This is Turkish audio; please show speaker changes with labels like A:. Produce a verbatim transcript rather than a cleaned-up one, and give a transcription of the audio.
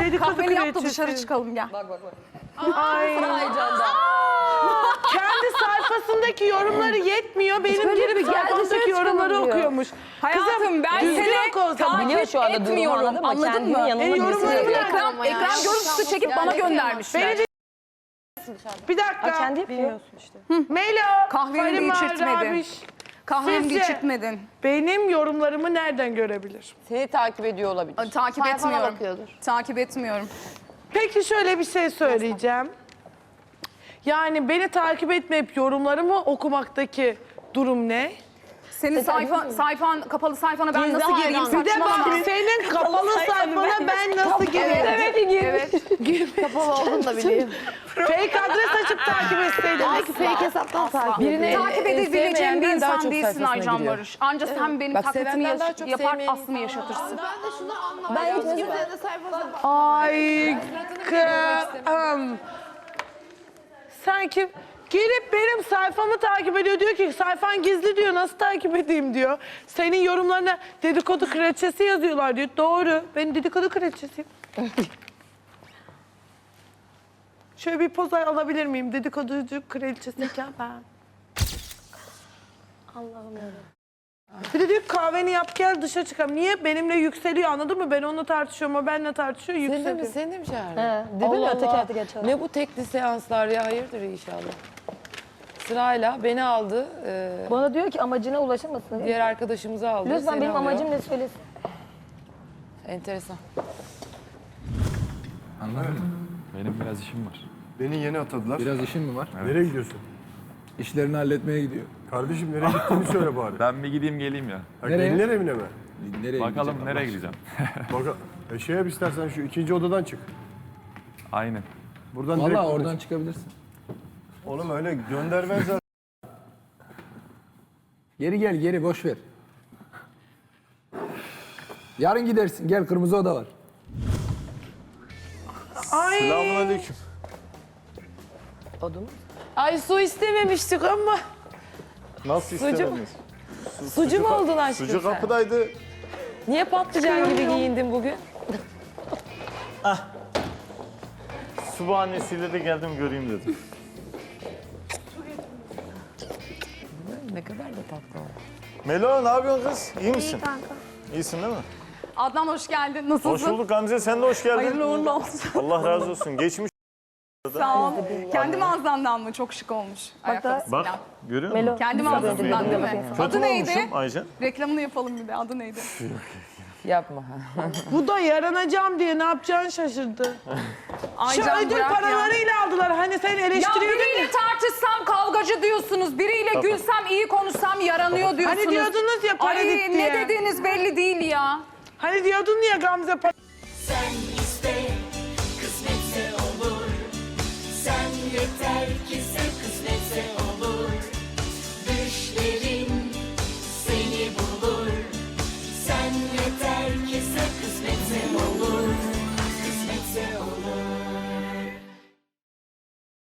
A: Dedikodu
B: Kahveni yap da
A: kraliçesi.
B: dışarı çıkalım gel.
C: Bak bak bak.
A: Ay.
C: Heyecandan.
A: Kendi sayfasındaki yorumları yetmiyor. Benim
D: böyle
A: girip
D: bir gel
A: sayfamdaki
D: dışarı
A: yorumları
D: çıkalım diyor.
A: okuyormuş.
B: Hayatım ben
A: düzgün
B: seni
A: oku o zaman.
C: Biliyor şu anda durumu,
B: etmiyorum.
C: anladın mı?
B: Anladın
C: Kendini
B: mı?
C: yanına
A: E, yorumlarımı
C: birisi-
A: nereden
B: Ekran,
A: ama ya?
B: ekran görüntüsü çekip bana göndermişler.
A: Beni de... Bir dakika.
C: Aa, kendi yapıyor. işte.
A: Melo.
B: Kahveni de
A: Farima,
B: içirtmedin.
A: Rabiş.
B: Kahveni de
A: Sizce
B: içirtmedin.
A: benim yorumlarımı nereden görebilir?
C: Seni takip ediyor olabilir.
B: Takip
D: Sayfana
B: etmiyorum.
D: bakıyordur.
B: Takip etmiyorum.
A: Peki şöyle bir şey söyleyeceğim. Yani beni takip etmeyip yorumlarımı okumaktaki durum ne?
B: Senin sayfa, sayfan, kapalı sayfana ben
D: Gizli
B: nasıl gireyim?
D: hayranlık.
A: Bir de bak
B: Saçmalama.
A: senin kapalı sayfana ben nasıl gireyim?
B: Evet, evet.
D: Kapalı olduğunu da bileyim.
A: Fake adres açıp takip etseydim.
D: Belki fake hesaptan takip
C: Birine-
D: ediyor.
B: Takip
C: E,
B: edebileceğim bir
C: sevmeyenden daha
B: insan
C: çok
B: değilsin
C: sayfasına
B: Aycan
C: giriyor.
B: Barış. Anca sen benim
C: Bak,
B: taklitimi
C: sevenden
B: yaş-
C: daha çok
B: yapar,
C: sevmeyen
B: aslımı yaşatırsın.
D: Ben de şunu anlamadım. Ben kimsenin de sayfasına bak.
A: Ay kım. Sanki gelip benim sayfamı takip ediyor. Diyor ki sayfan gizli diyor. Nasıl takip edeyim diyor. Senin yorumlarına dedikodu kraliçesi yazıyorlar diyor. Doğru. Ben dedikodu kraliçesiyim. Şöyle bir poz alabilir miyim? Dedikoducu kraliçesiyken ben.
D: Allah'ım ya.
A: Bir de diyor ki, kahveni yap gel dışarı çıkalım. Niye? Benimle yükseliyor anladın mı? Ben onunla tartışıyorum, o benimle tartışıyor,
C: Seni de
A: yükseliyor.
C: mi, seni de mi çağırdın?
D: He, dedi mi
C: Allah
D: öteki
C: Allah.
D: artık geçer.
C: Ne bu tekli seanslar ya, hayırdır inşallah. Sırayla beni aldı, e,
D: Bana diyor ki amacına ulaşamasın diye.
C: diğer arkadaşımızı aldı.
D: Lütfen
C: seni
D: benim
C: alıyor.
D: amacım ne söylesin.
C: Enteresan.
E: Anladım. Benim biraz işim var.
F: Beni yeni atadılar.
E: Biraz işim mi var?
F: Nereye gidiyorsun?
E: İşlerini halletmeye gidiyor.
F: Kardeşim nereye gittiğini söyle bari.
E: Ben bir gideyim geleyim ya.
F: Ha,
E: Nereye?
F: gelinler evine mi?
E: Nereye Bakalım gideceğim? nereye gideceğim.
F: Bak, e, şey yap istersen şu ikinci odadan çık.
E: Aynen.
F: Buradan direkt
E: Vallahi
F: oradan
E: oradan
F: çık.
E: çıkabilirsin.
F: Oğlum öyle göndermezler.
E: Geri gel geri boş ver. Yarın gidersin. Gel kırmızı oda var.
A: Ay.
F: Selamünaleyküm.
C: Odun. Ay su istememiştik ama.
F: Nasıl
C: Sucu mu?
F: istemediniz?
C: Sucu mu oldun aşkım
F: Sucu
C: sen?
F: kapıdaydı.
C: Niye patlıcan gibi giyindin bugün?
F: Su bahanesiyle de geldim göreyim dedim.
C: Ne kadar da tatlı oldu.
F: Melo ne yapıyorsun kız? İyi misin?
D: İyi kanka.
F: İyisin değil mi?
B: Adnan hoş geldin. Nasılsın?
F: Hoş bulduk Gamze, sen de hoş geldin.
B: Hayırlı uğurlu olsun.
F: Allah razı olsun. Geçmiş.
B: Sağ ol. Kendi mağazandan mı? Çok şık olmuş. Ayakkabısıyla.
F: Bak, görüyor musun?
D: Melo.
B: Kendi mağazasından değil mi?
F: Kötü
B: Adı
F: mü
B: neydi?
F: olmuşum Aycan?
B: Reklamını yapalım bir de. Adı neydi?
C: Yapma.
A: Bu da yaranacağım diye ne yapacağını şaşırdı. Şu
B: Aycan
A: ödül
B: bırak ya.
A: paralarıyla aldılar. Hani sen
B: Ya
A: eleştiriyordun
B: biriyle
A: ya.
B: tartışsam kavgacı diyorsunuz. Biriyle gülsem iyi konuşsam yaranıyor diyorsunuz.
A: Hani diyordunuz ya para
B: Ay
A: gitti
B: ne
A: diye.
B: dediğiniz belli değil ya.
A: Hani diyordun ya Gamze para...
G: Sen iste, kısmetse olur. Sen yeter ki sev.